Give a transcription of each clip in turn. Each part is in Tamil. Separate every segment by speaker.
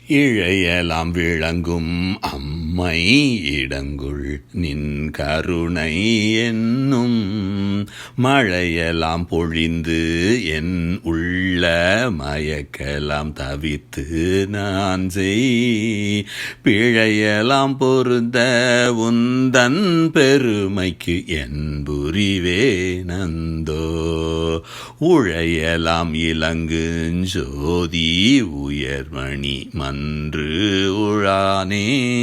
Speaker 1: இழையலாம் விளங்கும் அம்மை இடங்குள் நின் கருணை என்னும் மழையெல்லாம் பொழிந்து என் உள்ள மயக்கலாம் தவித்து நான் செய் பிழையலாம் பொருந்த உந்தன் பெருமைக்கு என் புரிவே நந்தோ உழையலாம் இலங்குஞ்சோதி உயர்மணி மன்று உழானே.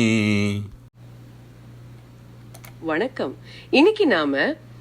Speaker 2: வணக்கம். இன்னைக்கு நாம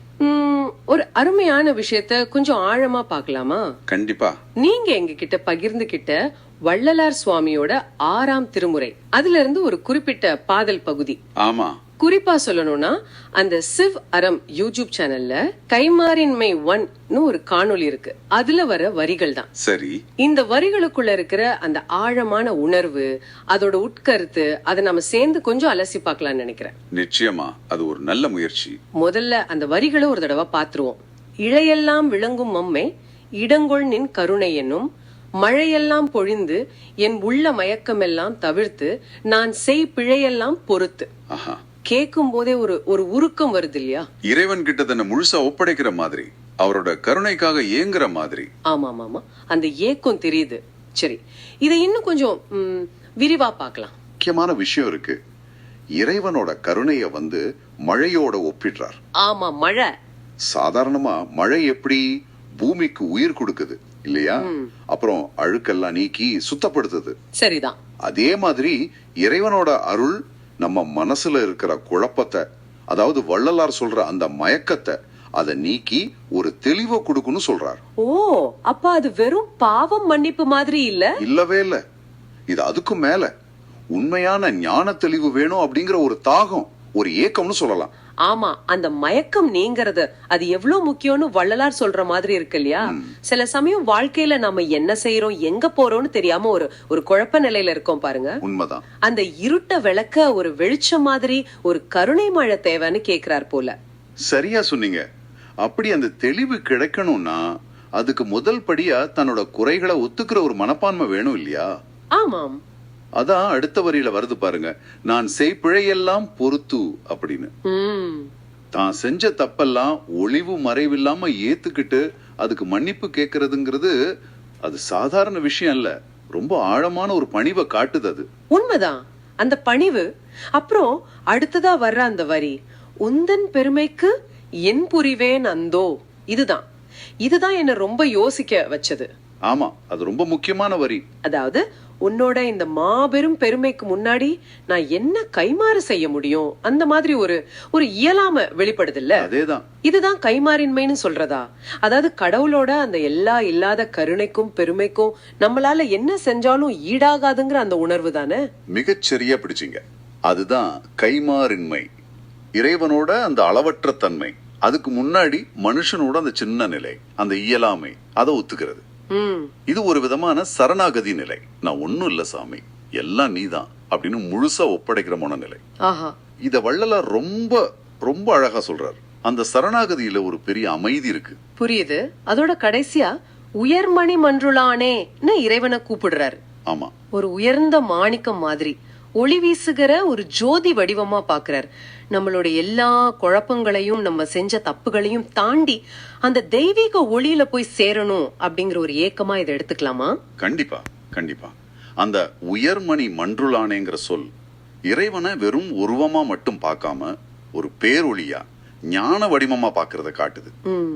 Speaker 2: ஒரு அருமையான விஷயத்த கொஞ்சம் ஆழமா பார்க்கலாமா?
Speaker 3: கண்டிப்பா.
Speaker 2: நீங்க எங்க கிட்ட பகிர்ந்துகிட்ட வள்ளலார் சுவாமியோட 6ஆம் திருமுறை, அதுல இருந்து ஒரு குறிப்பிட்ட பாடல் பகுதி.
Speaker 3: ஆமா.
Speaker 2: குறிப்பா சொல்லணும்னா அந்த சிவ் அறம் யூடியூப் சேனல்ல கைமாறின்மை 1 ஒரு காணொளி இருக்கு. அதுல வர வரிகள் தான்.
Speaker 3: சரி.
Speaker 2: இந்த வரிகளுக்குள்ள இருக்கிற அந்த ஆழமான உணர்வு, அதோட உட்கருத்து, அதை நம்ம சேர்ந்து கொஞ்சம் அலசி பார்க்கலாம்னு நினைக்கிறேன்.
Speaker 3: நிச்சயமா அது ஒரு நல்ல முயற்சி.
Speaker 2: முதல்ல அந்த வரிகளை ஒரு தடவை பாத்துருவோம். இழையெல்லாம் விளங்கும் மம்மை இடங்கொள் நின் கருணை என்னும் மழையெல்லாம் பொழிந்து என் உள்ள மயக்கமெல்லாம் தவிர்த்து நான் செய் பிழையெல்லாம் பொறுத்து. கேட்கும் போதே ஒரு உருக்கம் வருது இல்லையா?
Speaker 3: இறைவன் கிட்ட தன்னை முழுசா ஒப்படைக்கிற மாதிரி, அவரோட கருணைக்காக ஏங்குற மாதிரி.
Speaker 2: ஆமா ஆமா, அந்த ஏக்கம் தெரியுது. சரி, இதை இன்னும் கொஞ்சம் விரிவா பார்க்கலாம்.
Speaker 4: முக்கியமான விஷயம் இருக்கு. இறைவனோட கருணைய மழையோட ஒப்பிடுறார்.
Speaker 2: ஆமா, மழை.
Speaker 4: சாதாரணமா மழை எப்படி பூமிக்கு உயிர் கொடுக்குது இல்லையா? அப்புறம் அழுக்கெல்லாம் நீக்கி சுத்தப்படுத்துது.
Speaker 2: சரிதான்.
Speaker 4: அதே மாதிரி இறைவனோட அருள் நம்ம மனசுல இருக்கிற குழப்பத்தை, அதாவது வள்ளலார் சொல்ற அந்த மயக்கத்தை, அதை நீக்கி ஒரு தெளிவை கொடுக்கணும் சொல்றார்.
Speaker 2: ஓ, அப்ப அது வெறும் பாவம் மன்னிப்பு மாதிரி இல்ல?
Speaker 4: இல்லவே இல்ல. இது அதுக்கும் மேல உண்மையான ஞான தெளிவு வேணும் அப்படிங்கிற ஒரு தாகம், ஒரு ஏக்கம்னு சொல்லலாம்.
Speaker 2: ஆமா, அந்த மயக்கம் நீங்கிறது அது எவ்வளவு முக்கியம்னு வள்ளலார் சொல்ற மாதிரி இருக்கு இல்லையா? சில சமயம் வாழ்க்கையில நம்ம என்ன செய்யறோம், எங்க போறோம்னு தெரியாம ஒரு குழப்ப நிலையில இருக்கோம் பாருங்க.
Speaker 4: உண்மைதான்.
Speaker 2: அந்த இருட்ட விளக்க ஒரு வெளிச்சம் மாதிரி ஒரு கருணை மழை தேவைன்னு கேக்குறார் போல.
Speaker 4: சரியா சொன்னீங்க. அப்படி அந்த தெளிவு கிடைக்கணும்னா அதுக்கு முதல் படியா தன்னோட குறைகளை ஒத்துக்கிற ஒரு மனப்பான்மை வேணும் இல்லையா?
Speaker 2: ஆமாம்.
Speaker 4: அதான் அடுத்த வரியில வருது பாருங்க, நான் செய்பிழையெல்லாம் பொறுத்து அப்படின்னு. தான் செஞ்ச தப்பெல்லாம் ஒளிவு மறைவில்லாம ஏத்துக்கிட்டு அதுக்கு மன்னிப்பு கேட்கறதுங்கிறது அது சாதாரண விஷயம் இல்ல. ரொம்ப ஆழமான ஒரு பணிவை காட்டுது அது.
Speaker 2: உண்மைதான், அந்த பணிவு. அப்புறம் அடுத்ததா வர்ற அந்த வரி, உந்தன் பெருமைக்கு என் புரிவேன் அந்தோ. இதுதான் என்ன ரொம்ப யோசிக்க வச்சது.
Speaker 4: ஆமா, அது ரொம்ப முக்கியமான வரி.
Speaker 2: அதாவது உன்னோட இந்த மாபெரும் பெருமைக்கு முன்னாடி நான் என்ன கைமாறு செய்ய முடியும், அந்த மாதிரி ஒரு இயலாம வெளிப்படுது இல்ல?
Speaker 4: அதேதான்.
Speaker 2: இதுதான் கைமாறின்மைன்னு சொல்றதா? அதாவது கடவுளோட அந்த எல்லா இல்லாத கருணைக்கும் பெருமைக்கும் நம்மளால என்ன செஞ்சாலும் ஈடாகாதுங்கிற அந்த உணர்வு தானே?
Speaker 4: மிகச்சரியா பிடிச்சிங்க. அதுதான் கைமாறின்மை. இறைவனோட அந்த அளவற்ற தன்மை, அதுக்கு முன்னாடி மனுஷனோட அந்த சின்ன நிலை, அந்த இயலாமை, அதை ஒத்துக்கிறது. இது ஒரு விதமான சரணாகதி நிலை. நான் ஒண்ணும் இல்ல சாமி, எல்லாம் நீதான் அப்படின்னு முழுசா ஒப்படைக்கிற மனநிலை. இத வள்ளலார் ரொம்ப ரொம்ப அழகா சொல்றார். அந்த சரணாகதியில ஒரு பெரிய அமைதி இருக்கு.
Speaker 2: புரியுது. அதோட கடைசியா உயர்மணி மன்றுளானேன்னு இறைவனை கூப்பிடுறாரு.
Speaker 4: ஆமா,
Speaker 2: ஒரு உயர்ந்த மாணிக்கம் மாதிரி ஒளி வீசுகிற ஒரு ஜோதி வடிவமா பாக்குறார். நம்மளோட எல்லா குழப்பங்களையும், நம்ம செஞ்ச தப்புகளையும் தாண்டி அந்த தெய்வீக ஒளியில போய் சேரணும் அப்படிங்கிற ஒரு ஏக்கமா இதை எடுத்துக்கலாமா?
Speaker 4: கண்டிப்பா கண்டிப்பா. அந்த உயர்மணி மன்றுளானேங்கிற சொல் இறைவனை வெறும் உருவமா மட்டும் பார்க்காம ஒரு பேரொளியா, ஞான வடிவமா பாக்குறத காட்டுது.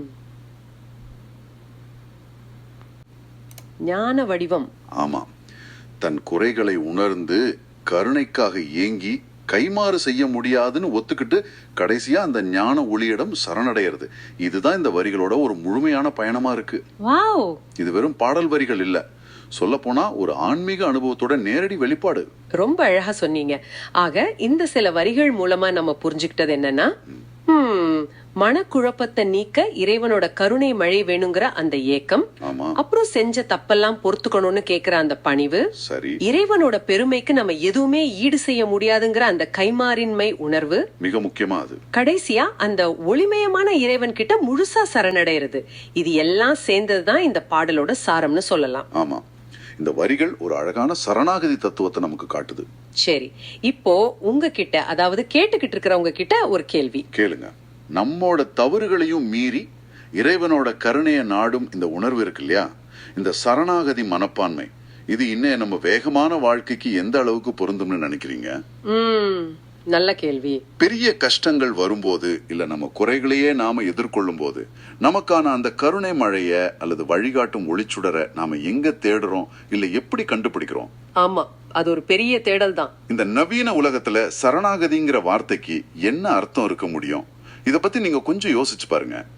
Speaker 2: ஞான வடிவம்.
Speaker 4: ஆமா, தன் குறைகளை உணர்ந்து கருணைக்காக ஏங்கி கைமாறு செய்ய முடியாதுன்னு ஒத்துக்கிட்டு கடைசியா அந்த ஞான ஒளியிடம் சரணடைகிறது. இதுதான் இந்த வரிகளோட ஒரு முழுமையான பயணமா இருக்கு. இது வெறும் பாடல் வரிகள் இல்ல, சொல்ல போனா ஒரு ஆன்மீக அனுபவத்தோட நேரடி வெளிப்பாடு.
Speaker 2: ரொம்ப அழகா சொன்னீங்க. ஆக இந்த சில வரிகள் மூலமா நம்ம புரிஞ்சுக்கிட்டது என்னன்னா, மனக்குழப்பத்தை நீக்க இறைவனோட கருணை மழை வேணுங்கிற அந்த ஏக்கம், அப்புறம் செஞ்ச தப்பெல்லாம் பொறுத்துக்கணும்னு கேக்குற அந்த பணிவு, இறைவனோட பெருமைக்கு நம்ம எதுவுமே ஈடு செய்ய முடியாதுங்கிற அந்த கைமாறின்மை உணர்வு,
Speaker 4: மிக முக்கியமா அது
Speaker 2: கடைசியா அந்த ஒளிமயமான இறைவன் கிட்ட முழுசா சரணடைறது. இது எல்லாம் சேர்ந்ததுதான் இந்த பாடலோட சாரம்னு சொல்லலாம்.
Speaker 4: ஆமா, இந்த வரிகள் ஒரு அழகான சரணாகதி தத்துவத்தை நமக்கு காட்டுது.
Speaker 2: சரி, இப்போ உங்ககிட்ட, அதாவது கேட்டுக்கிட்டு இருக்கிறவங்க கிட்ட ஒரு கேள்வி
Speaker 4: கேளுங்க. நம்மோட தவறுகளையும் மீறி இறைவனோட கருணைய நாடும் இந்த உணர்வு இருக்கு இல்லையா, இந்த சரணாகதி மனப்பான்மை, இது இன்னும் நம்ம வேகமான வாழ்க்கைக்கு எந்த அளவுக்கு பொருந்தும்னு நினைக்கிறீங்க?
Speaker 2: நல்ல கேள்வி.
Speaker 4: பெரிய கஷ்டங்கள் வரும்போது, இல்ல நம்ம குறைகளையே நாம எதிர்கொள்ளும் போது, நமக்கான அந்த கருணை மழைய அல்லது வழிகாட்டும் ஒளிச்சுடரை நாம எங்க தேடுறோம், இல்ல எப்படி கண்டுபிடிக்கிறோம்?
Speaker 2: ஆமா, அது ஒரு பெரிய தேடல் தான்.
Speaker 4: இந்த நவீன உலகத்துல சரணாகதிங்கிற வார்த்தைக்கு என்ன அர்த்தம் இருக்க முடியும்? இத பத்தி நீங்க கொஞ்சம் யோசிச்சு பாருங்க.